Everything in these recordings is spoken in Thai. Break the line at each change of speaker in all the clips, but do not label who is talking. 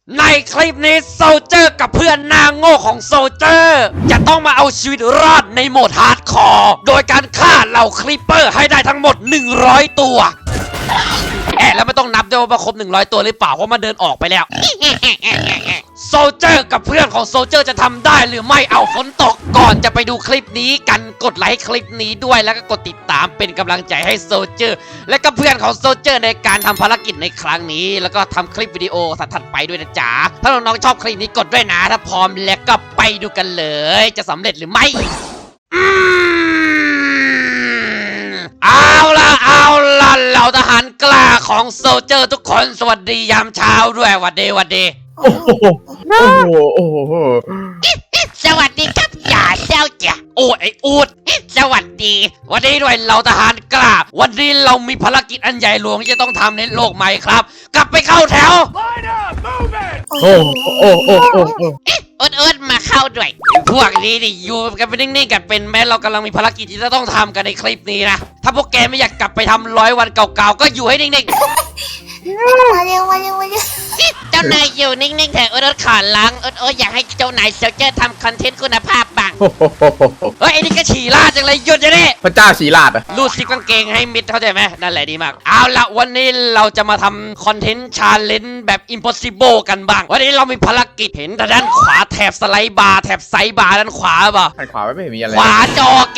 ในคลิปนี้โซลเจอร์กับเพื่อนหน้าโง่ของโซลเจอร์จะต้องมาเอาชีวิตรอดในโหมดฮาร์ดคอร์โดยการฆ่าเหล่าคลิปเปอร์ให้ได้ทั้งหมด100ตัวแล้วไม่ต้องนับด้วยว่าครบ100ตัวหรือเปล่าเพราะมันเดินออกไปแล้วโซลเจอร์กับเพื่อนของโซลเจอร์จะทำได้หรือไม่เอาฝนตกก่อนจะไปดูคลิปนี้กันกดไลค์คลิปนี้ด้วยแล้วก็กดติดตามเป็นกำลังใจให้โซลเจอร์และก็เพื่อนของโซลเจอร์ในการทำภารกิจในครั้งนี้แล้วก็ทำคลิปวิดีโอถัดไปด้วยนะจ๊ะถ้าน้องๆชอบคลิปนี้กดด้วยนะถ้าพร้อมแล้วก็ไปดูกันเลยจะสำเร็จหรือไม่เอาล่ะเราทหารกล้าของโซลเจอร์ทุกคนสวัสดียามเช้าด้วยหวัดดี
โอ้โหโอ้โห
สวัสดีครับอย่าเจ้าจ้ะโอ้ไอ้อูดสวัสดีวันนี้ด้วยเราทหารกล้าวันนี้เรามีภารกิจอันใหญ่หลวงที่จะต้องทำในโลกใหม่ครับกลับไปเข้าแถว
โอ้
เอิร์ดมาเข้าด้วยพวกนี้นี่อยู่กันเป็นนิ่งๆกันเป็นแม้เรากำลังมีภารกิจที่จะต้องทำกันในคลิปนี้นะถ้าพวกแกไม่อยากกลับไปทำ100 วันเก่าๆก็อยู่ให้นิ่งๆ
มาเร็ว
เจ้านายอยู่นิ่งๆเถอะเอิร์ดขอล้างเอิร์ดอยากให้เจ้านายโซลเจอร์ทำคอนเทนต์คุณภาพบ้างเฮ้ยไอ้นี่ก็ฉี่ลาดจังเลยหยุดจะได้
พระเจ้าฉี่ลาด
รูดซิปกางเกงให้มิดเข้าใจไหมนั่นแหละดีมากเอาละวันนี้เราจะมาทำคอนเทนต์ชาเลนจ์แบบ impossible กันบ้างวันนี้เรามีภารกิจเห็นด้านขวาแถบสไลด์บาร์แถบไซด์บาร์ด้านขวาป่ะ
ด้านขวาไม่เห็นมีอะไร
ขวาจอแก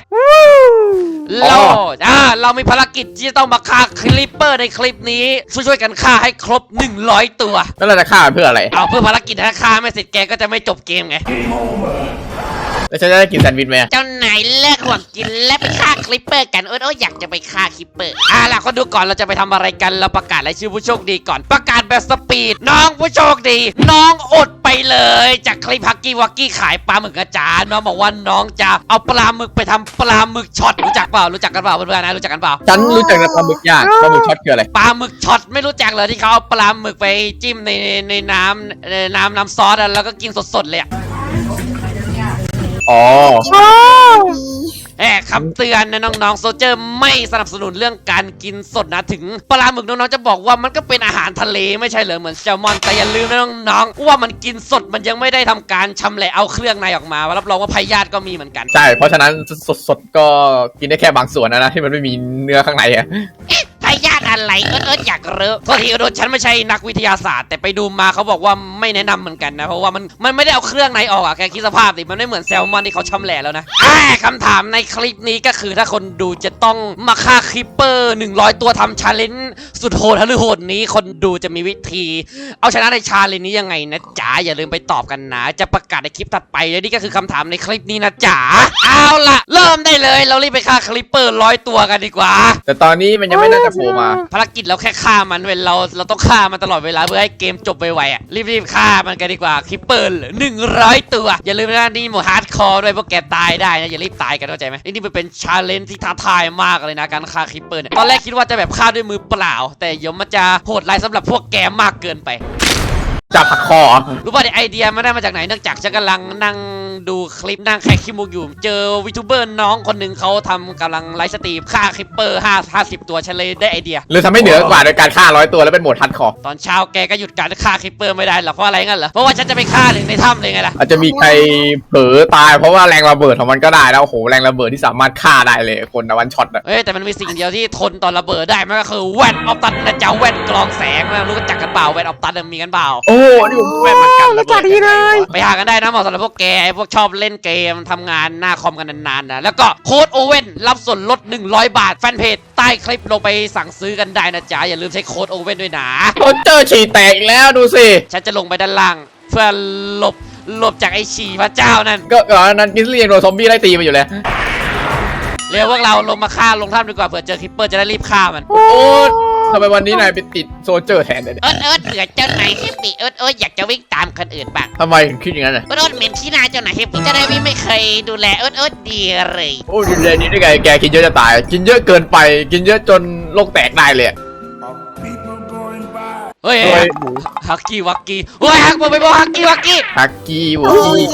เรามีภารกิจที่จะต้องมาฆ่าคลิปเปอร์ในคลิปนี้ช่วยกันฆ่าให้ครบ100ตัว
แล้วเราจะฆ่าเพื่ออะไร
เอาเพื่อภารกิจถ้าฆ่าไม่เสร็จแกก็จะไม่จบเกมไง
แล้วฉันจะได้กินแซนด์วิชไหม
เจ้านายเลิกห่วงกินและไปฆ่าคลิปเปอร์กันโอ้อยากจะไปฆ่าคลิปเปอร์ล่ะคนดูก่อนเราจะไปทำอะไรกันเราประกาศรายชื่อผู้โชคดีก่อนประกาศแบบสปีดน้องผู้โชคดีน้องอดไปเลยจากคลิปฮักกี้วักกี้ขายปลาหมึกอาจารย์น้องบอกว่าน้องจะเอาปลาหมึกไปทำปลาหมึกช็อตรู้จักกันเปล่าเพื่อนๆนะรู้จักกันเปล่า
ฉันรู้จักแต่ปลาหมึกย่างปลาหมึกช็อตคืออะไร
ปลาหมึกช็อตไม่รู้จักเลยที่เขาเอาปลาหมึกไปจิ้มในน้ำซอสแล้วก็กินสดๆเลยคำเตือนนะน้องๆโซลเจอร์ไม่สนับสนุนเรื่องการกินสดนะถึงปลาหมึกน้องๆจะบอกว่ามันก็เป็นอาหารทะเลไม่ใช่เหรอเหมือนแซลมอนแต่อย่าลืมนะน้องๆว่ามันกินสดมันยังไม่ได้ทำการชำแหละเอาเครื่องในออกมารับรองว่าพยาธิก็มีเหมือนกัน
ใช่เพราะฉะนั้นสดก็กินได้แค่บางส่วนนะที่มันไม่มีเนื้อข้างใน
พยาธิอะไรเอิร์ดอยากรู้โทษทีฉันไม่ใช่นักวิทยาศาสตร์แต่ไปดูมาเขาบอกว่าไม่แนะนำเหมือนกันนะเพราะว่ามันไม่ได้เอาเครื่องในออกแกคิดสภาพดิมันไม่เหมือนแซลมอนที่เขาชำแหละแล้วนะคำถามในคลิปนี้ก็คือถ้าคนดูจะต้องมาฆ่าคลิปเปอร์100ตัวทำชาเลนจ์สุดโหดหรือโหดนี้คนดูจะมีวิธีเอาชนะในชาเลนจ์นี้ยังไงนะจ๋าอย่าลืมไปตอบกันนะจะประกาศในคลิปถัดไปและนี่ก็คือคำถามในคลิปนี้นะจ๋าเอาล่ะเริ่มได้เลยเรารีบไปฆ่าคลิปเปอร์100ตัวกันดีกว่า
แต่ตอนนี้มันยังไม่น่าจะโผล่มา
ภารกิจเราแค่ฆ่ามันเราต้องฆ่ามันตลอดเวลาเพื่อให้เกมจบไวๆรีบฆ่ามันกันดีกว่าคลิปเปอร์100ตัวอย่าลืมนะนี่โหมดฮาร์ดคอร์ด้วยพวกแกตายได้นะอย่ารีบตายกันเข้าใจไหมนี่เป็นชาเลนจ์ที่ท้าทายมากเลยนะการฆ่าคลิปเปอร์เนี่ยตอนแรกคิดว่าจะแบบฆ่าด้วยมือเปล่าแต่เดี๋ยวมันจะโหดร้ายสำหรับพวกแกมากเกินไป
จับผักคอ
รู้ป่ะไอเดียมันได้มาจากไหนเนื่องจากฉันกำลังนั่งดูคลิปนั่งแคคคิมูอยู่เจอวิทูเบอร์น้องคนหนึ่งเขากำลังไลฟ์สตรีมฆ่าคลิปเปอร์50ตัวฉันเลยได้ไอเดีย
หรือทำให้เหนือกว่าโดยการฆ่า100ตัวแล้วเป็นโหมดฮัดคอร์
ตอนเช้าแกก็หยุดการฆ่าคลิปเปอร์ไม่ได้หรอเพราะอะไรงั้นเหรอเพราะว่าฉันจะไปฆ่าในถ้ำเลยไงล่ะ
อาจจะมีใครเผลอตายเพราะว่าแรงระเบิดของมันก็ได้แล้วโอ้โหแรงระเบิดที่สามารถฆ่าได้เลยคนวันช็อต
แต่มันมีสิ่งเดียวที่ทนต่อระเบิดได้มันก็คือแว่นออฟตันนะจ๊ะแว่นกรองแสงรู้จักกันเปล่าแว่นออฟตันมีกันเปล่า
โอ้นี่แว่นมันกันระเบิด
เลยไปหากันได้นะเหมาะสำหรับพวกแกพวกชอบเล่นเกมทำงานหน้าคอมกันนานๆนะแล้วก็โค้ดโอเว่นรับส่วนลด100 บาทแฟนเพจใต้คลิปลงไปสั่งซื้อกันได้นะจ๊ะอย่าลืมใช้โค้ดโอเว่นด้วยนะ
เจอฉี่แตกอีกแล้วดูสิ
ฉันจะลงไปด้านล่างเพื่อหลบจากไอ้ฉี่พระเจ้านั่น
ก็ก่อนนั้นกินเรียงโดนซอมบี้ไล่ตีมาอยู่เลย
เร็วพวกเราลงมาฆ่าลงถ้ำดีกว่าเผื่อเจอคลิปเปอร์จะได้รีบฆ่ามัน
โอ้ทำไมวันนี้นายไปติดโซลเจอร์แทนเลย
เผื่อเจ้านายเฮปปี้อยากจะวิ่งตามคนอื่นบ้าง
ทำไมถึงคิดอย่างนั้น
เหม็นที่นาเจ้านายเฮปปี้เจ้านายไม่เคยดูแลดีเลย
โอ้ดูแลนี้ได้ไงแกกินเยอะจะตายกินเยอะเกินไปกินเยอะจนโรคแตกได้เลย
เฮ้ยฮักกี้วักกี้เฮ้ยฮักไปบอกฮักกี้วักกี้
ฮักกี้วักกี้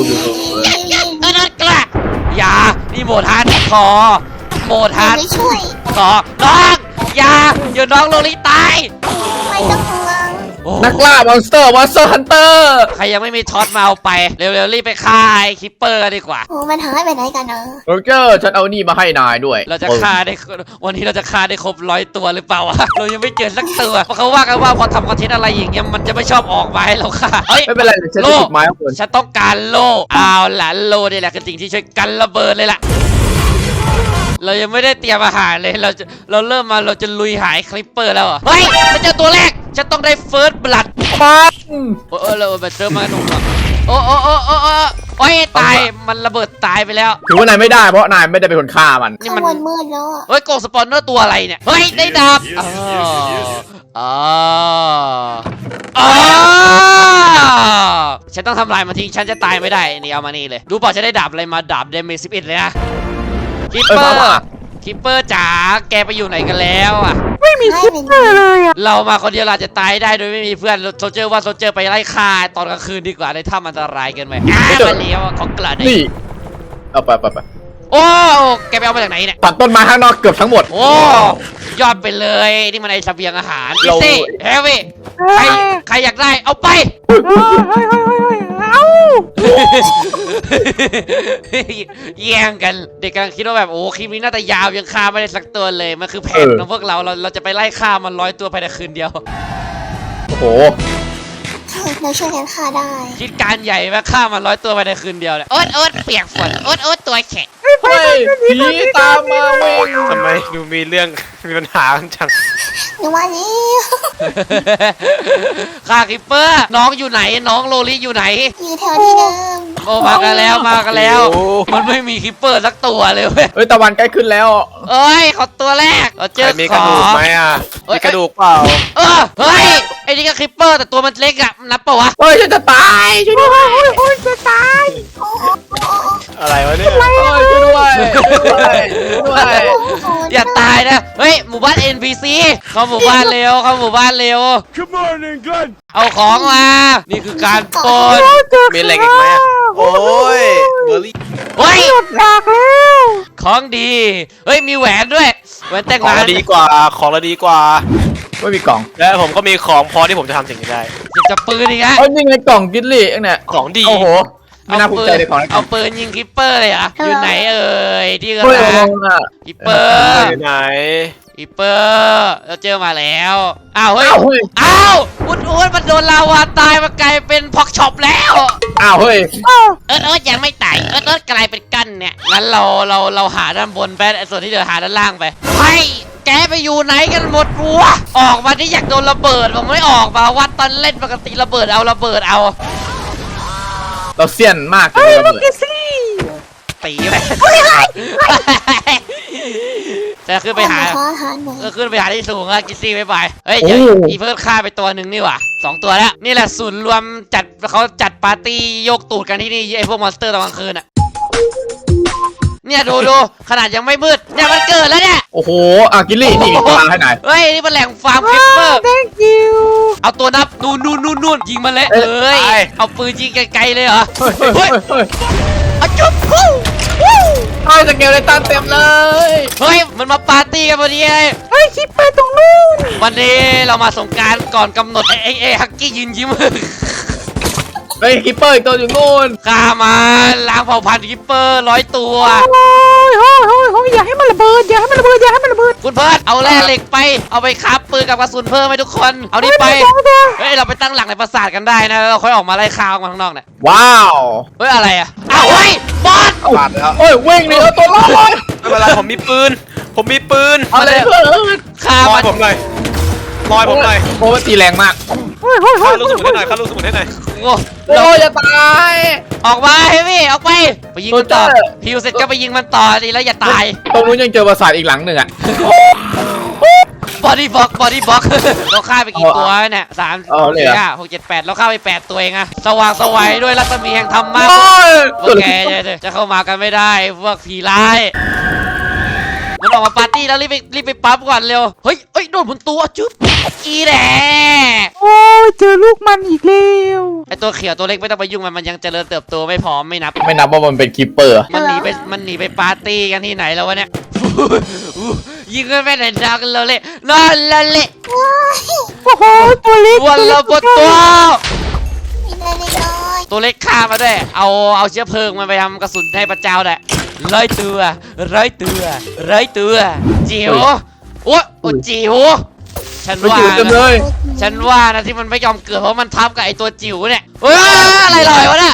กล้าอย่านี่โหมดฮาร์ดคอร์โหมดฮาร์ดคอร์น้องอย่าน้องโลลิตาย
ไม่ต้องห่วง
โอ้
นักล่ามอนสเตอร์ฮันเตอร์
ใครยังไม่มีท็อตมาเอาไปเร็วๆรีบไปฆ่าไอ้คิปเปอร์กันดีกว่า
โอ้มันหายไปไหนกันเนอะ
โรเจอร์ฉันเอานี่มาให้นายด้วย
เราจะฆ่าได้วันนี้เราจะฆ่าได้ครบ100 ตัวหรือเปล่าวะเรายังไม่เจอสักตัวเพราะเขาว่ากันว่าพอทำคอนเทนต์อะไรอย่างเงี้ยมันจะไม่ชอบออกมาให้เราฆ่าเฮ้ย
ไม่เป็นไรเดี๋ยวฉันจะจุดไม้ข้างบน
ฉันต้องการโล่เอาล่ะโล่นี่แหละคือสิ่งที่ช่วยกันระเบิดเลยล่ะเรายังไม่ได้เตรียมอาหารเลยเราเริ่มมาเราจะลุยหายคลิปเปอร์แล้วเหรอเฮ้ยฉันเจอตัวแรกฉันต้องได้เฟิร์สบลัด
ปัง
โอ้เราไปเจอมาหนุ่มโอ้โอ้ยตายมันระเบิดตายไปแล้ว
ถือว่านายไม่ได้เพราะนายไม่ได้เป็นคนฆ่ามัน
นี่
ข้าง
มัน
บนมืดแล้วอะ
เฮ้ยโกสปอนเนอร์ตัวอะไรเนี่ยเฮ้ยได้ดาบฉันต้องทำลายมันทิ้งฉันจะตายไม่ได้นี่เอามานี่เลยดูเปล่าจะได้ดาบอะไรมาดาบเดเมจ11เลยนะคิปเปอร์จ๋าแกไปอยู่ไหนกันแล้วอ่ะ
ไม่มีคิปเปอร์เลยอะ
เรามาคนเดียวเราจะตายได้โดยไม่มีเพื่อนโซเจอร์ว่าโซเจอร์ไปไล่ฆ่าตอนกลางคืนดีกว่าในถ้ำอันตรายเกินไปมาเลี้ยวของกระดิ่ง
นี่เอาไป
โอ้แกไปเอามาจากไหนเนี่ย
ตัดต้นไม้ข้างนอกเกือบทั้งหมด
โอ้ยอดไปเลยนี่มันไอเสบียงอาหาร
เรา
ซี่เฮฟวี่ใครอยากได้เอาไป แย่งกันเด็กกำลังคิดว่าแบบโอ้คลิปนี้น่าจะยาวยังฆ่าไม่ได้สักตัวเลยมันคือแผนของพวกเราจะไปไล่ฆ่ามัน100 ตัวภายในคืนเดียว
โอ้โห
เราช่วยกันฆ่าได้
คิดการใหญ่มาฆ่ามัน100 ตัวภายในคืนเดียวเนี่ยโอ๊ตเปียกฝนโอ๊ตตัวแข็ง
เฮ้ยผีตามมาเว้ย
ทำไมดูมีเรื่อง มีปัญหากันจัง
หนูว่านี้
ฆ่าคิปเปอร์น้องอยู่ไหนน้องโลลิอยู่ไหน
อยู่แถวที่เดิม
โอ้มากันแล้วมันไม่มีคิปเปอร์สักตัวเลยเว้ย
เฮ้ยตะวันใกล้ขึ้นแล้ว
เอ้ยขอตัวแรกเราเจ
ใคร
อ
มี
ข
กระ
อ
ดูกไหมอ่ะ มีกระดูกเปล่า
เฮ้ยไอ้นี่ก็คิปเปอร์แต่ตัวมันเล็กอะนับปะวะ
เฮ้ยฉันจะตายช่วยด้วย
อะไรวะเนี่ย
เฮ้ยช่วยด้วยช่วยด้วย
อย่าตายนะเฮ้ยหมู่บ้าน NPC เข้าหมู่บ้านเร็วCome on England เอาของมานี่คือการปล้น
มีเหล็กอีกไหมอะโอ้ยเบอร์รี่
เฮ้ยของดีเฮ้ยมีแหวนด้วยแหวนแต่ง
ของ
งาน
เราดีกว่า ของเราดีกว่า
ไม่มีกล่อง
และผมก็มีของพอที่ผมจะทำสิ่งนี้ได้
จะปืนอีกอะ
เอ้ยนี่ไงกล่องกินลี่เองเนี่ย
ของดี
โอ้โหไม่น่าภูมิใจเลยของนะ
เอาปืนยิงคิปเปอร์เลยเหรอ่ะอยู่ไหนเอ่ยที่กำ
เฮ้ย
ลั
ล
ง
งอ่ะ
คิปเปอร์
อยู่ไหน
คิปเปอร์เราเจอมาแล้วอ้าวเฮ้ย
อ้าวเฮ้ย
อ้าวอุ้นมันโดนลาวาตายมากลายเป็นพ็อกช็อปแล้ว
อ้าวเฮ้ย
ยังไม่ตายกลายเป็นกั้นเนี่ยงั้นเราหาด้านบนไปส่วนที่เหลือหาด้านล่างไปเฮ้ยแกไปอยู่ไหนกันหมดวะออกมาที่อยากโดนระเบิดผมไม่ออกมาวัดตอนเล่นปกติระเบิดเอา
เราเสี้ยนมากเลยระเบิด
ตีไปจะขึ้นไปหา
ขออาหารหน่อย
ก็ขึ้นไปหาที่สูงอะกิซซี่ไปเฮ้ยเดี๋ยวอีเพิ่มฆ่าไปตัวหนึ่งนี่หว่า2 ตัวแล้วนี่แหละศูนย์รวมเขาจัดปาร์ตี้โยกตูดกันที่นี่ไอพวกมอนสเตอร์ตอนกลางคืนอะเนี่ยดูขนาดยังไม่มืดเนี่ยมันเกิดแล้วเนี่ย
โอ้โหอ่ะกินลี่นี่ปลาให้หน่อย
เฮ้ยนี่มันแหล่งฟาร์มคลิปเปอร์ เอาตัวนับนู่นยิงมันเลยเอาปืนยิงไกลๆเลยเหรอ
เฮ้ยเฮ้ย
เอาจุ๊บ
เฮ้ยสเกลเลยตันเต็มเลย
เฮ้ยมันมาปาร์ตี้กันพอดีเลยเฮ้ยคิปเปอร์ตรงนู้นวันนี้เรามาสงกรานต์ก่อนกำหนดไอ้ฮักกี้ยืนยิ้ม
เฮ้ยคิปเปอร์อีกตัวอยู่นู่น
ฆ่ามาล้างเผ่าพันธุ์คิปเปอร์100 ตัว
อย่าให้มันระเบิด
คุณเพิร์ดเอาแร่เหล็กไปเอาไปคราฟปืนกับกระสุนเพิ่มให้ทุกคนเอานี่ไปเฮ้ยเราไปตั้งหลักในปราสาทกันได้นะแล้วเราค่อยออกมาไล่ฆ่าออกมาข้างนอกเนี่ย
ว้าว
เฮ้ยอะไรอ่ะอ้าวเฮ้ยบอส
บาดแล้ว
โอ้ยวิ่งหนีเอาตัวรอด
ไม่เป็นไรผมมีปืน
เอาเลยเพื่อน
ฆ่า
ลอ
มั
ย
น
ผมหน่อยลอยผมหน่อย
โอ้ยตีแรงมาก
ข้าลูกสมุนให้หน่อยข้าลูกสมุนให้หน่อย
โอ้
โอ้ยจะตาย
ออกมาเฮ้ยพี่ออกไปยิงมันต่อ
โซเจอร์
พิวเสร็จก็ไปยิงมันต่อดีแล้วอย่าตาย
ตรงนู้นยังเจอปราสาทอีกหลังหนึ่งอ่ะ
บอดี้บล็อก เราฆ่าไปกี่ตัวเนี่ย3
เอาเลย
4
เหรอ
5 6 7 8เราฆ่าไป8 ตัวเองอะสว่างสวัยด้วยรัศมีแห่งธรรมะ
โอ้ย
พวกแกจะเข้ามากันไม่ได้พวกผีร้ายมันออกมาปาร์ตี้แล้วรีบไปปั๊บก่อนเร็วเฮ้ยโดนบนตัวจุ๊บอีแหน่
โอ้ยเจอลูกมันอีกแล้ว
ไอตัวเขียวตัวเล็กไม่ต้องไปยุ่งมันยังเจริญเติบโตไม่พร้อมไม่นับ
ไม่นับว่ามันเป็นคิปเปอร์
มันหนีไปปาร์ตี้กันที่ไหนแล้ววะเนี่ยยิงกันไปไหนนักเราเละนอนละเละ
โอ้โหตัวเล็ก
วันละบนตัว
มีอะไรน้อย
ตัวเล็กฆ่ามาด้วยเอาเชื้อเพลิงมันไปทำกระสุนให้พระเจ้าแหละร้อยตัวจิ๋วโอ้จิ๋วฉัน
ไป
ว่า
จืดกันเล
นะ
ย
ฉันว่านะที่มันไม่ยอมเกิดเพราะมันทับกับไอตัวจิ๋วเนี่ยเฮ้ยอะไรลอยวะเนี่ย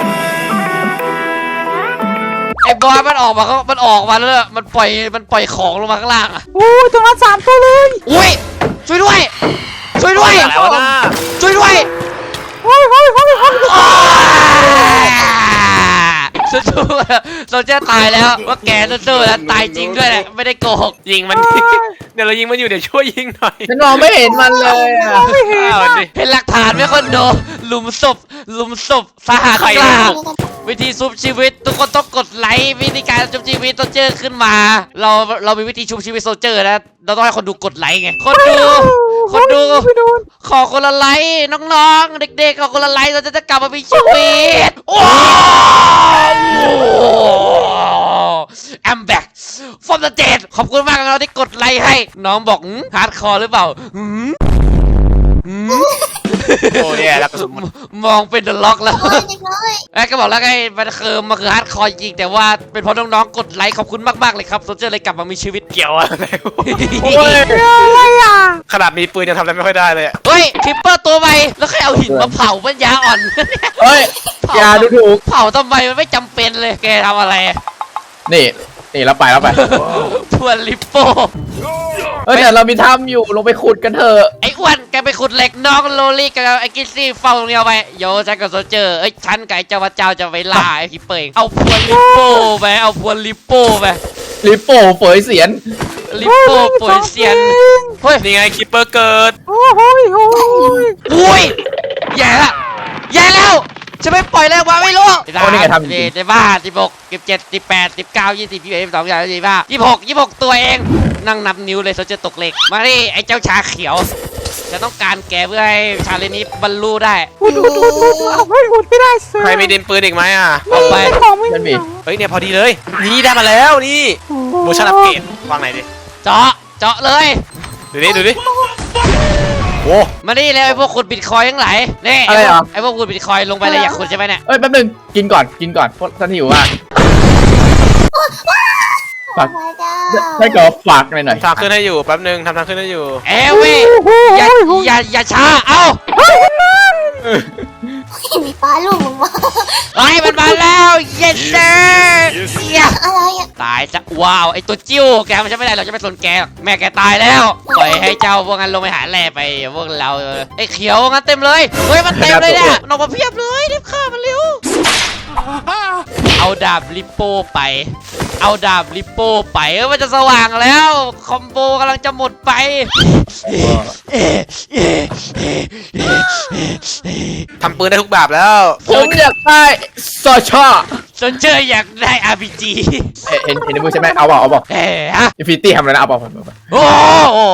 ไอ้บอยมันออกมาแล้วมันปล่อยของลงมาข้างล่างอะ
โอ้ยตรงนั้น3 ตัวเลย
อุ้ยช่วยด้วย
อะไรวะน่า
ช่วยด้วย
โอ้ย
สู้ๆเราจะตายแล้วว่าแกสู้ๆแล้วตายจริงด้วยแหละไม่ได้โกหก
ยิงมัน เดี๋ยวเรายิงมันอยู่เดี๋ยวช่วยยิงหน่อย
ฉันมองไม่เห็นมันเลยอะ
อ้าวดิ
เห็นหลักฐานไหมคนดูหลุมศพสหัส
ใคร
กลาง
ๆ
วิธีชุบชีวิตทุกคนต้องกดไลค์วิธีการชุบชีวิตโซลเจอร์ขึ้นมา เรามีวิธีชุบชีวิตโซลเจอร์นะเราต้องให้คนดูกดไลค์ไงคนดู
ไม่โดน
ขอคนละไลค์น้องๆเด็กๆขอคนละไลค์เราจะกลับมามีชีวิตโอ้ I'm back from the dead ขอบคุณมากเราที่กดไลค์ให้น้องบอกฮาร์ดคอร์หรือเปล่า
โอ้ยแล้วกระสุนหมด
มองเป็นเดอะล็อกแล้ว
น้อยเด็กน้อย
ไอ้ก็บอกแล้วไงมันคือฮาร์ดคอร์จริงแต่ว่าเป็นเพราะน้องๆกดไลค์ขอบคุณมากๆเลยครับโซลเจอร์เลยกลับมามีชีวิต
เกี่ยวอะไรวะ
โอ้ย
อะไรอ่ะ
ขนาดมีปืนยังทำอะไรไม่ค่อยได้เลยอะ
เฮ้ยคลิปเปอร์ตัวใหม่แล้วใครเอาหินมาเผาปัญญาอ่อน
เฮ้ยอย่าดูถูก
เผาทำไมมันไม่จำเป็นเลยแกทำอะไร
นี่แล้วไป
ทวนลิปโป้
เฮ้ยแต่เรามีถ้ำอยู่ลงไปขุดกันเถอะ
ไอ้อ้วนแกไปขุดเหล็กน้องโลลี่กับไอ้กิซซี่เฝ้าตรงนี้เอาไปโยฉันกับโซลเจอร์เอ้ยฉันกับไอ้เจ้าพระเจ้าจะไปล่าไอ้คิปเปอร์เองเอาพวนลิปโป้ไป
ลิปโป้เฟยเสียน
ลิปโป้ป่วยเซียนเฮ้ย
นี่ไงคิปเปอร์เกิด
โอ้โห
อุ้ยแย่แล้วจะไม่ปล่อยแล้ววะไม่รู้
โอ้นี่ไงทำจริง
จะบ้า16 17 18 19 20 21 22 23 26ตัวเองนั่งนับนิ้วเลยเขาจะตกเหล็กมาดิไอ้เจ้าชาเขียวจะต้องการแกเพื่อให้ชาเลนนี้บรรลุได้
อุดเอาไม่อุดไม่ได้เสือ
ใครมีดินปืนอีกไหมอ่ะ
เอาไป
ของไม่
มันมี
มี
เฮ้ยเนี่ยพอดีเลย นี่ได้มาแล้วนี่โมชั่นอัปเกรดวางไหนดิ
เจาะเลย
ดูดิโอ้
มาดิเลยไอ้พวกขุดบิตคอยน์ทั้งหลายนี่
อะไรเหรอ
ไอ้พวกขุดบิตคอยน์ลงไปเลยอยากขุดใช่ไหมเนี่ย
เอ้ยแป๊บนึงกินก่อนเพราะฉันหิวมากฝาก
พระเจ้า
ให้กอฝากหน่อย
ทางขึ้นให้อยู่แป๊บนึงทำทางขึ้นให้อยู่
เอ้เว้ยอย่าช้าเอ้า
มีฟ้าลูกมึงมา
ไอ้มันมาแล้วเย็นเด้อ
อะไรอ่ะ
ตายจะว้าวไอตัวจิ้วแกมันจะไม่ได้เราจะไม่สนแกหรอกแม่แกตายแล้วปล่อยให้เจ้าพวกนั้นลงไปหาแร่ไปพวกเราไอเขียวงั้นเต็มเลยเฮ้ยมันเต็มเลยเนี่ยมันออกมาเพียบเลยรีบฆ่ามันเร็วเอาดาบลิปโป้ไปมันจะสว่างแล้วคอมโบกำลังจะหมดไป
ทำปืนได้ทุกแบบแล้ว
ๆผมอยากได้ซอชอ
สนเจออยากได้ RPG
เห็นในมือใช่ไหมเอาบอก
เฮ้ฮะ
อินฟินิตี้ทำอะไรนะเอาบอก
โอ้โห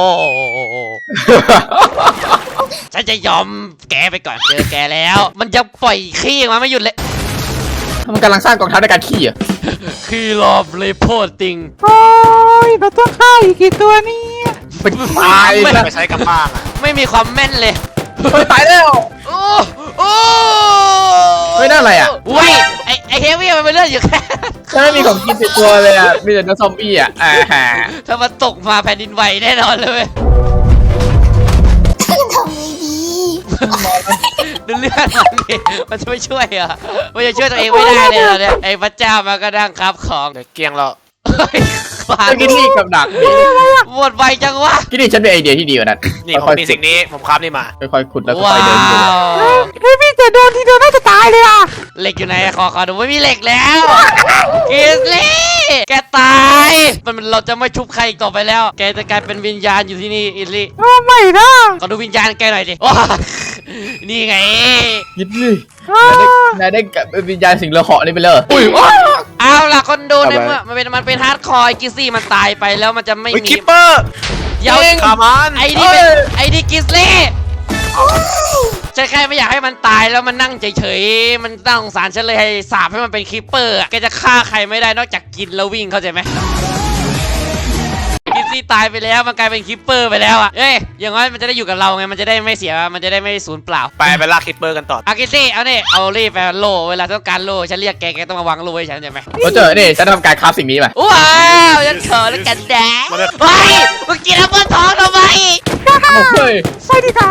ฉันจะยอมแกไปก่อนเจอแกแล้ว มันยังปล่อยขี้ออกมาไม่หยุดเลย
มันกำลังสร้างกองทัพในการขี่อ่ะ
คือรอบเลโพติง
โอ้ยเราต้องฆ่าอีกกี่ตัวเนี่ย
เป็นตาย
ไม่
นะ
ไปใช้กับบ้างอะ
ไม่มีความแม่นเลย
ตายแล้ว
โอ้โอ้
เฮ้ยนั่นอะไรอ่ะ
เว้ยไอเฮฟวี่มันเป็นเลือดอยู่แค่
ฉันไม่มีของกินติดตัวเลยอ่ะมีแต่เนื้อซอมบี้อ่ะ
ถ้ามันตกมาแผ่นดินไหวแน่นอนเลยเว้ย
ทำไงดี
ดูเลือดมันดิมันจะไม่ช่วยเหรอมันจะช่วยตัวเองไม่ได้เลยเหรอเนี่ยไอ้พระเจ้ามันก็นั่งครับของ
เดี๋ยวเกลียงแล้ว
เฮ้ยขวาน
กินนี่กับดักนี่
หมดไวจังวะ
กินนี่ฉันเป็นไอเดียที่ดีกว่านั้น
นี่ผมมีสิ่งนี้ผมคราฟนี่มา
ค่อยๆขุดแล้วก็
ว้า
ไปเดินดู
ว
เฮ้ยพี่แต่โดนทีเดียวน่าจะตายเลยอ่ะ
เหล็กอยู่ไหนขอดูไม่มีเหล็กแล้วกิสลี่แกตายมันเราจะไม่ชุบใครอีกต่อไปแล้ว แกจะกลายเป็นวิญญาณอยู่ที่นี่อิสลี่
โอ้ไม่นะ
ขอดูวิญญาณแกหน่อยดิว้านี่ไง
กินนี่
อ้าน
ายได้กับวิญญาณสิงห์เหลือเหาะนี่ไปเลยอุ้ย
เอาล่ะคนดู
เอา
ใน
ไว้
เมื่อมันเป็นฮาร์ดคอร์กิสซี่มันตายไปแล้วมันจะไม่
เฮ้ย
มี
คิปเปอร์
เดี๋ยว
ขามัน
ไอ้นี่เป็นไอ้นี่กิสลี่ฉันแค่ไม่อยากให้มันตายแล้วมันนั่งเฉยๆมันน่าสงสารฉันเลยให้สาปให้มันเป็นคิปเปอร์อะแกจะฆ่าใครไม่ได้นอกจากกินแล้ววิ่งเข้าใจไหมกิสซี่นี่ตายไปแล้วมันกลายเป็นคิปเปอร์ไปแล้วอ่ะเอ้ยอย่างน้อยมันจะได้อยู่กับเราไงมันจะได้ไม่เสียมันจะได้ไม่สูญเปล่า
ไปลากคิปเปอร์กันต่อ
อากิซี่เอาเนี่ยเอารีบไปโล่เวลาต้องการโล่ฉันเรียกแกต้องมาวางโล่ไว้ฉันใช่ไหม
โซเจอร์นี่ฉันทำการคราฟสิ่งนี้มา
ว้าวฉันเขินแล้วกันแดงเฮ้ยมึงกินแอปเปิ้ลทองทำไม
เฮ้ย
ไปดีกว่า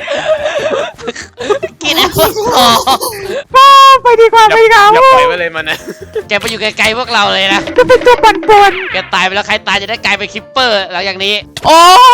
กินแอปเปิ้ลทอง
ไปดีกว่า
อย่าปล่อยไว้เลยมันนะ
แกไปอยู่ไกลๆพวกเราเลยนะ
จะเป็นตัวปั่นป่วน
แกตายไปแล้วใครตายจะได้กลายเป็นคิปเปอร์หลังจากนี้
โอ้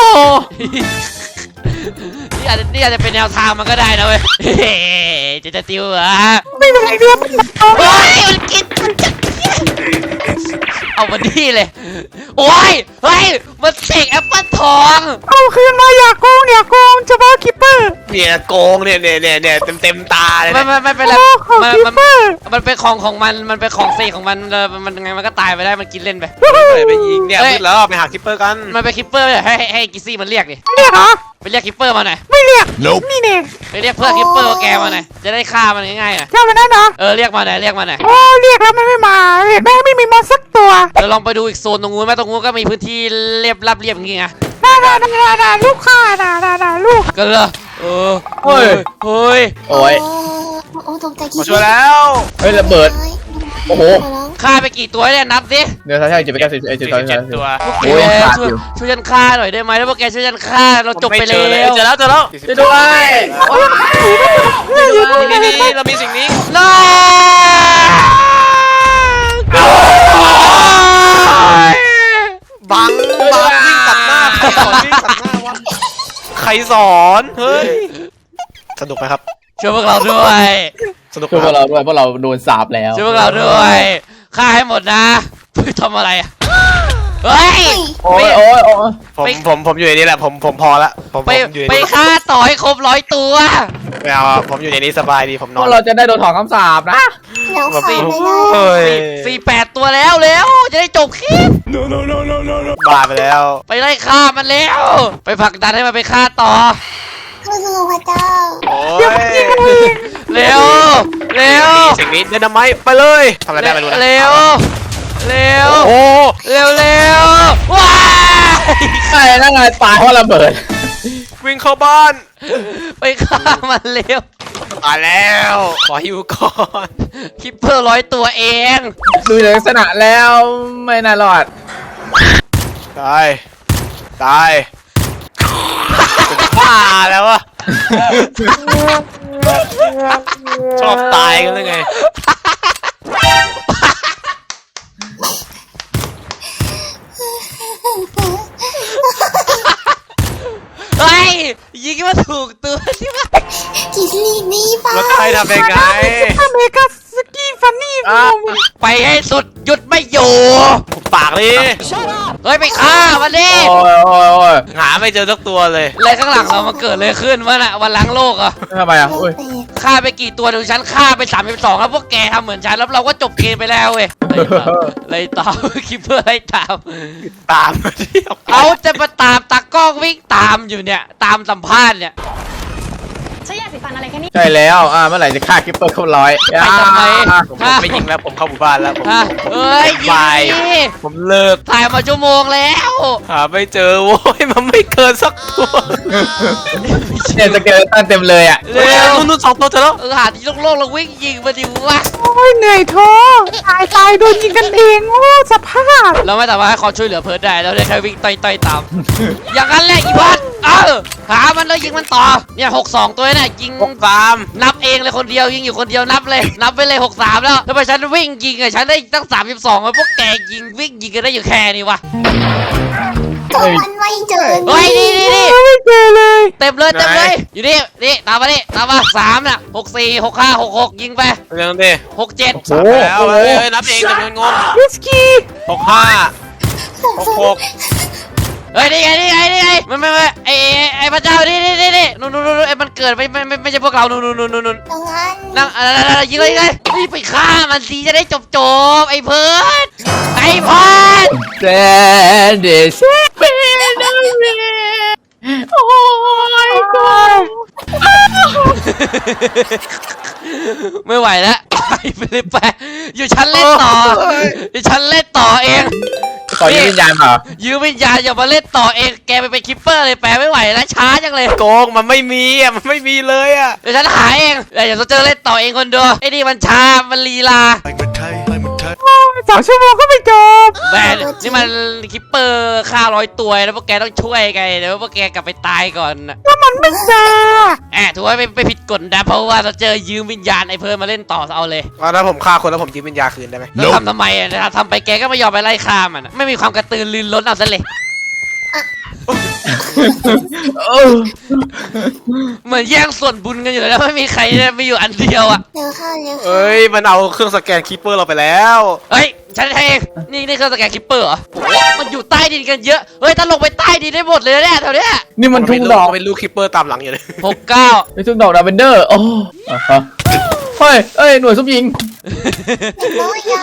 นี่อาจจะเป็นแนวทางมันก็ได้นะเว้ยจะติวเหรอ
ไม่เป็นไรเดียวมันเอา
โอ้ยมันกินมันจะเอามาดีเลยโอ้ยเฮ้ยมันเสกแอปเปิ้ลทอง
เอาคืนมาอย่าโกงเฉพาะคิปเปอร์
เนี่ยโกงเนี่ยเต็มตาเลย
ไม่เป็นไร
โอ้ของ
มัน
คิป
มัน
เปอร์
มันเป็นของมันเป็นของเสกของมันมันไงมันก็ตายไปได้มันกินเล่นไป
ไปยิงเนี่ยมืดแล้วไปหาคิปเปอร์กัน
มันเป็นคิปเปอร์ให้กิซี่มันเรียกดิ
เรียกเหรอ
ไปเรียกคิปเปอร์มาหน่อย
ไม่เรียกนี่เนี่ย
ไปเรียกเพื่อนคิปเปอร์แกมาหน่อยจะได้ฆ่ามันง่ายๆอ่ะ
เจ้ามันนั่นเหรอ
เรียกมาหน่อยเรียกมาหน่อย
โอ้เรียกแล้วมันไม่มาเห็นไหมไม่มีมอนสักตัว
เราลองไปดูอีกโซนตรงนู้นไหมตรงนู้นก็มีพื้นที่เรียบรับเรียบอย่างงี้ไง
น่าลูกค้าน่าลูก
ก็เลยเฮ้ย
โอ้ย
โอ้ตกใจคิด
มาช่วยแล้ว
เฮ้ยระเบิด โอ้โห
ฆ่าไปกี่ตัวเนี่ยนับสิ
เดี๋ยวใช่จะไปแก้47
ตัว
โอ้ยขาด
ช่วย
อยู่
ช่วยฉันฆ่าหน่อยได้ไหมแล้วพวกแกช่วยฉันฆ่าเราจบไปแล้ว
เจอแล้ว
ช่วยด้วย
นี่เรามีสิ่งนี้
น้า
บังวิ่งตัดหน้าใครสอนวิ่งตัดหน้าวะใครสอนเฮ้ยสนุกไหมครับ
ช่วยพวกเราด้วย
สนุก
ช่วยพวกเราด้วยเพราะเราโดนสาปแล้ว
ช่วยพวกเราด้วยฆ่าให้หมดนะเพื่อทำอะไรอะเฮ้ย
โอ้ยโอ้ยโอ้ย
ผมอยู่ในนี้แหละผมพอละผม
ไป
อยู่ใน
ไป
นี้
ฆ่าต่อให้ครบ100 ตัว
ไม่เอาผมอยู่ในนี้สบายดีผมน
พ
อ
วน กเราจะได้โดนถอนคำสาปนะ
แล้วขาดไม่ได้
เฮ้ย
48 ตัวแล้วจะได้จบคลิป
บ้าไปแล้ว
ไปไล่ฆ่ามันแล้ว ไปผลักดันให้มันไปฆ่าต่อ
สู้ๆพระเจ้า
โอ้ย
เร็วเร็ว
สิ่งนี้เดนไมต์ไปเลยทำอะไรได้ไม่รู้นะ
เร็วเร็ว
โอ้
เร็วเร็วว้าย
ใช่นั่นไงตายเพราะระเบิด
วิ่งเข้าบ้าน
ไปฆ่ามันเร็ว
มาแล้วขอฮิวก่อน
คิปเปอร์100 ตัวเอง
ดูจากลักษณะแล้วไม่น่ารอด
ตายบ้าแล้ววะชอบตายกันเลยไง
เฮ้ยยิงมาถูกตัวใช่ไหม
คิดลีนี่ป้า
แล้วใครทำยังไง
อเมริกาสกีฟันนี่
ไปให้สุดหยุดไม่อยู่
ผมปากเลย
เฮ้ยไปฆ่ามันดิ
โอ้ยโอ้ยโอ้ย
หาไม่เจอสักตัวเลย
อะไรข้างหลังเรามันเกิดเลยขึ้นวะน่ะวันล้างโลกเหรอ่ะ
ทำไมอ่ะอุ้ย
ฆ่าไปกี่ตัวดูฉันฆ่าไป32แล้วพวกแกทำเหมือนฉันแล้วเราก็จบเกมไปแล้วเว้ยไล่ตามคิปเปอร์ไล่ตาม
ตามมาเที่ยว
เอาจะมาตามตากล้องวิ่งตามอยู่เนี่ยตามสัมภาษณ์เนี่ย
ใช้ยาสีฟันอะไรแค่นี้
ใช่แล้วเมื่อไหร่จะฆ่าคิปเปอร์เข้าร้อย
ไปทำไม
ผมไม่ยิงแล้วผมเข้าหมู่บ้านแล้วผม
ฮะเอ้ยยิ
ไป
งดิ
ผมเลิก
ถ่ายมาชั่วโมงแล้ว
หาไม่เจอโว้ยมันไม่เกินสักตัว
เนี่ยสเกเลตันเต็มเลยอ่ะ
เร็ว
นู่นสองตัวเจอแล้ว
หาที่โล่งๆแล้ววิ่งยิงมาดิวะ
โอ้ยเหนื่อยท้อตายโดนยิงกันเองโอ้สภาพ
เราไม่สามารถให้ความช่วยเหลือเพิร์ดได้เราได้แค่วิ่งต่อยๆตาม อย่างนั้นแหละอีพัดหามันแล้วยิงมันต่อเนี่ย62ตัวเนี่ยยิง
63
นับเองเลยคนเดียวยิงอยู่คนเดียวนับเลยนับไปเลย63แล้วทำไมฉันวิ่งยิงอะฉันได้ตั้ง32แล้วพวกแกยิงวิ่งยิงกันได้อยู่แค่นี้วะ
ก็มันไม่เจอ
เฮ้ยนี่
ไม่เจอเลย
เต็มเลยอยู่นี่ตามมา3น่ะ64 65 66ยิงไป
เรื่องดิ
67
โอ้
แล้วเฮ้ยนับเองจำนวนงง
วิสกี้
65 66
เฮ้ยนี่ไงไม่ไอ้พระเจ้านี่นู่นไอ้มันเกิดไม่ใช่พวกเรานู่น
ดังนั้น
นั่งยิงเลยนี่ไปฆ่ามันสิจะได้จบไอ้เพิร์ด
แซนเดชเป็นโอ้ยก็
ไม่ไหวแล้วไปเลยไปอยู่ชั้นเล่นต่ออยู่ชั้นเล่นต่อเอง
ขอยืมวิญญาณเปล่า
ยืมวิญญาณอย่ามาเล่นต่อเองแกไปเป็นคิปเปอร์เลยแปลไม่ไหวแล้วช้าจังเลย
โกงมันไม่มีอ่ะมันไม่มีเลยอ่ะ
เดี๋ยวฉันหาเองอย่าโซเจอร์เล่นต่อเองคนเดียวไอ้นี่มันช้ามันลีลา
2 ชั่วโมงก็ไม่จบ
แมนนี่มันคิปเปอร์ฆ่า100 ตัวแล้วพวกแกต้องช่วยไงเดี๋ยวพวกแกกลับไปตายก่อนนะ
ก็มันไม่จา
ถือว่าไม่ผิดกฎนะเพราะว่าเราเจอยืมวิญญาณไอ้เพิ่มมาเล่นต่อเอาเลย
แล้วผมฆ่าคนแล้วผมยืมวิญญาณคืนได้ไหม
แล้วทำไมอ่ะทำไปแกก็ไม่ยอมไปไล่ฆ่ามันอะไม่มีความกระตือรือร้นเอาซะเลย
เออ
เหมือนแย่งส่วนบุญกันอยู่แล้วไม่มีใครไม่อยู่อันเดียวอ่ะ
เร็วเข้าเร็วเข้า
เอ้ยมันเอาเครื่องสแกนคีเปอร์เราไปแล้ว
เฮ้ยฉันเองนี่เครื่องสแกนคิปเปอร์เหรอโอ้โหมันอยู่ใต้ดินกันเยอะเฮ้ยถ้าลงไปใต้ดินได้หมดเลยนะเนี่ยแถวเนี้ย
นี่มันทุ่งดอก
เป็นลูกคีเปอร์ตามหลังอยู่เลย
69
ไอ้ทุ่งดอกดาเวนเดอร์โอ้อ่ะฮะเฮ้ยเอ้ยหน่วยซุปยิง
น้อยยา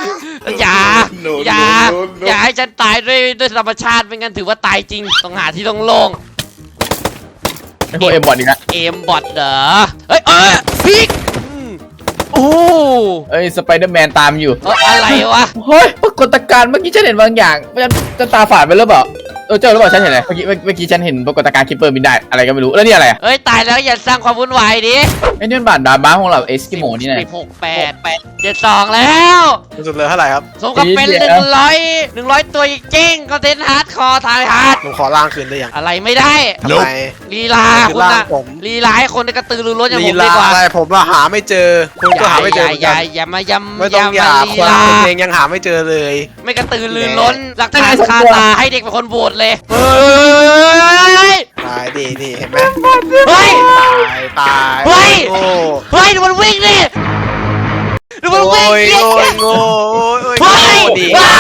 อย่าให้ฉันตายด้วยธรรมชาติไม่งั้นถือว่าตายจริงต้องหาที่โล่ง
ไอ้พวกเอ็มบอดอีกนะ
ๆเอมบอทเหรอเฮ้ยพิกโอ้
เอ้ยสไปเดอร์แมนตามอยู่
อะไรวะ
เฮ้ยปรากฏการณ์เมื่อกี้ฉันเห็นบางอย่างจะตาฝาดไปหรือเปล่าเจอหรือเปล่าฉันเห็นอะไรเมื่อกี้ฉันเห็นปรากฏการณ์คิปเปอร์บินได้อะไรก็ไม่รู้แล้วนี่อะไรอ่ะ
เฮ้ยตายแล้วอย่าสร้างความวุ่นวายดิ
ไอ้นี่มันบาดดาบ้าของเราเอสกิโมนี่นะ
68 72แล้ว
สุดเลยเท่าไหร่ครับ
สมกับเป็น100ตัวจริงๆคอนเทนต์ฮาร์ดคอร์ทายฮาร์ด
ผมขอล่างคืนได้ยัง
อะไรไม่ได้
ทำไม
ลีลาคุณนะ
ผม
ลีลาให้คนได้กระตือรือร้นอย่างผ
ลี
ม
ลา
ดีกว่า
อะไรผมหาไม่เจอคุณก็หาไม่เจอเหมือนกัน
อย่ามายำ
ไม่ต้องอย่า
ลี
คน
ลา
เองยังหาไม่เจอเลย
ไม่กระตือรือร้นหลักฐานคาตาให้เด็กเป็นคนโหวตเลยเฮ้ย
ตายดีนี่เห็นไหม
เฮ้ย
ตาย
เฮ้ย
โง่
เฮ้ยดูมันวิ่งดิดูมันวิ่ง
โอ้ย
ดิ
โง่โง่โอ้ย
เฮ้ย
ดี
ว้า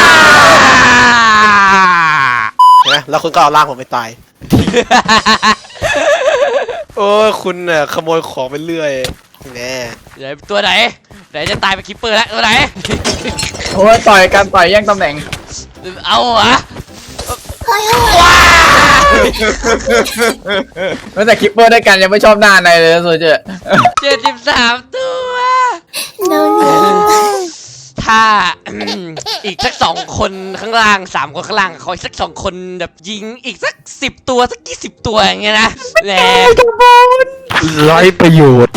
เห็นไหมแล้วคุณก็เอาล่างผมไปตาย โอ้ยคุณเนี่ยขโมยของไปเรื่อยแน่
เดี๋ยวตัวไหนจะตายไปคิปเปอร์แล้วตัวไหน
โอ้ยต่อยกันต่อยแย่งตำแหน่ง
เอาเหรอ
เฮ้ย
ว้า
แม้แต่คิปเปอร์ด้วยกันยังไม่ชอบหน้าในเลยนะโซเจอร์
73 ตัว
โดนเลย
ถ้า อีกสัก2 คนข้างล่าง3 คนข้างล่างขออีกสัก2 คนแบบยิงอีกสัก10 ตัวสัก20 ตัวอย่างเงี้ยนะแหม
ไร้ประโยชน์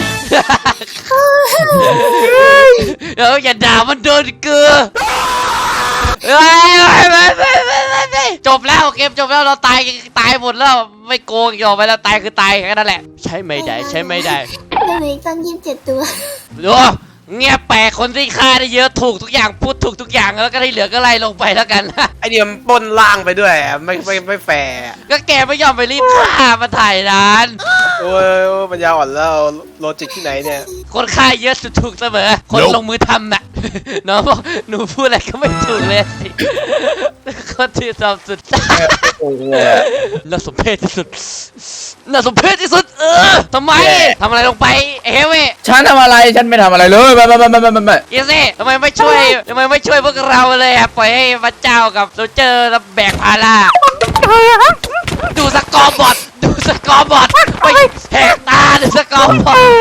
เดี๋ยวอย่าด่ามันโดนเกลือเฮ้ยจบแล้วเกมจบแล้วเราตายหมดแล้วไม่โกงอีกต่อไปแล้วตายคือตายแค่นั้นแหละใช่ไม่ได้
เหลือตั้ง27 ตัว
ดูเงียบแปลกคนที่ฆ่าได้เยอะถูกทุกอย่างพูดถูกทุกอย่างแล้วก็ที่เหลือก็ไล่ลงไปแล้วกัน
ไอเดียมนปล้นล่างไปด้วยอะไม่แฟร์อะ
ก็แกไม่ยอมไปรีบฆ่ามาถ่ายนาน
โอ้ยปัญญาอ่อนแล้วโลจิกที่ไหนเนี่ย
คนฆ่าเยอะสุดถูกเสมอคนลงมือทำน่ะ น้องบอกหนูพูดอะไรก็ไม่ถูกเลย คนที่ทำสุด
โอ้โห
น่าสมเพชที่สุดน่าสมเพชที่สุดทำไมทำอะไรลงไปเฮเว่
ฉันทำอะไรฉันไม่ทำอะไรเลยไม่
อีซี่ทำไมไม่ช่วยพวกเราเลยอะปล่อยให้พระเจ้ากับโรเจอร์แบกภาระดูสกอร์บอร์ดไปแหกตาดูสกอร์บอร์ด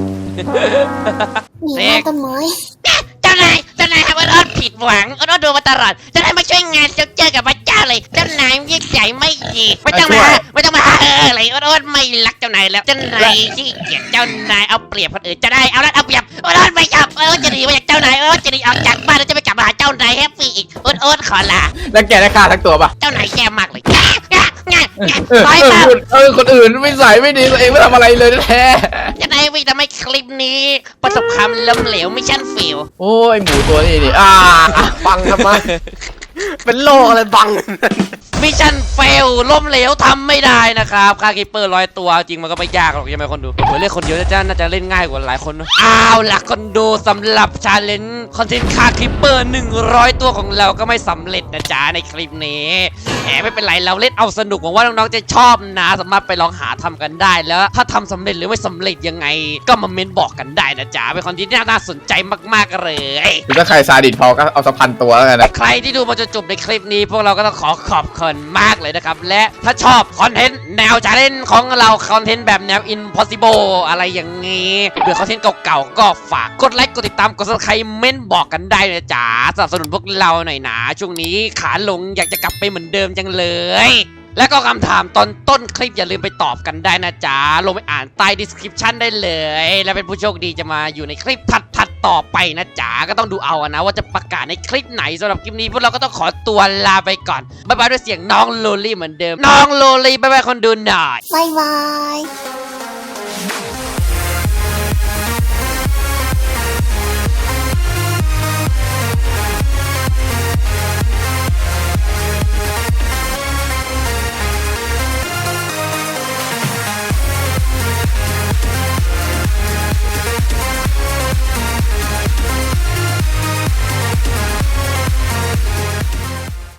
หนีมาต้นไม้
เจ้านายครับอดผิดหวังอดดูมาตลอดเจ้านายมาช่วยงานเจอกับพระเจ้าเลยเจ้านายยิ่งใหญ่ไม่ดีไม่ต้องมาอะไรอดไม่รักเจ้านายแล้วเจ้านายที่เกลียดเจ้านายเอาเปรียบคนอื่นจะได้เอาเปรียบอดไม่ชอบจะหนีมาจากเจ้านายจะหนีออกจากบ้านแล้วจะไปกลับมาหาเจ้านายแฮปปี้อีกอดขอลา
แล้วแกได้ฆ่าทั้งตัวปะ
เจ้านายแย่มากเลย
ไปคนอื่นไม่ใส่ไม่ดีตัวเองไม่ทำอะไรเลยแท้
จะได้ไม่ทำให้คลิปนี้ประสบความล้มเหลวไม่ชั่นฟิว
โอ้ยหมูตัวนี้นี่
บังทำไม เป็นโลอะไรบัง
มิชชั่นเฟลล้มเหลวทำไม่ได้นะครับค่าคิปเปอร์100 ตัวจริงมันก็ไม่ยากหรอกใช่ไหมคนดูเล่นคนเดียวน่าจะเล่นง่ายกว่าหลายคนนะอ้าวล่ะคนดูสำหรับชาเลนจ์คอนเทนต์ค่าคิปเปอร์100 ตัวของเราก็ไม่สำเร็จนะจ๊ะในคลิปนี้แหมไม่เป็นไรเราเล่นเอาสนุกหวังว่าน้องๆจะชอบนะสามารถไปลองหาทำกันได้แล้วถ้าทำสำเร็จหรือไม่สำเร็จยังไง ก็มาเมนบอกกันได้นะจ๊ะเป็นคอนเทนต์ที่น่าสนใจมากๆเลย
หรือถ้าใครซาดิสพอก็เอาสัก1,000 ตัวแล้วกันนะ
ใครที่ดูมาจนจบในคลิปนี้พวกเราก็ต้องขอบคุณกันมากเลยนะครับและถ้าชอบคอนเทนต์แนวชาเลนจ์ของเราคอนเทนต์แบบแนว impossible อะไรอย่างงี้เบื่อคอนเทนต์เก่าๆก็ฝากกดไลค์กดติดตามกด subscribe เม้นบอกกันได้นะจ๊ะสนับสนุนพวกเราหน่อยนะช่วงนี้ขาลงอยากจะกลับไปเหมือนเดิมจังเลยและก็คำถามตอนต้นคลิปอย่าลืมไปตอบกันได้นะจ๊ะลงไปอ่านใต้ description ได้เลยและเป็นผู้โชคดีจะมาอยู่ในคลิปถัดต่อไปนะจ๊ะก็ต้องดูเอานะว่าจะประกาศในคลิปไหนสำหรับคลิปนี้พวกเราก็ต้องขอตัวลาไปก่อนบ๊ายบายด้วยเสียงน้องโลลี่เหมือนเดิมน้องโลลี่บ๊ายบายคนดูหน่อย
บายบาย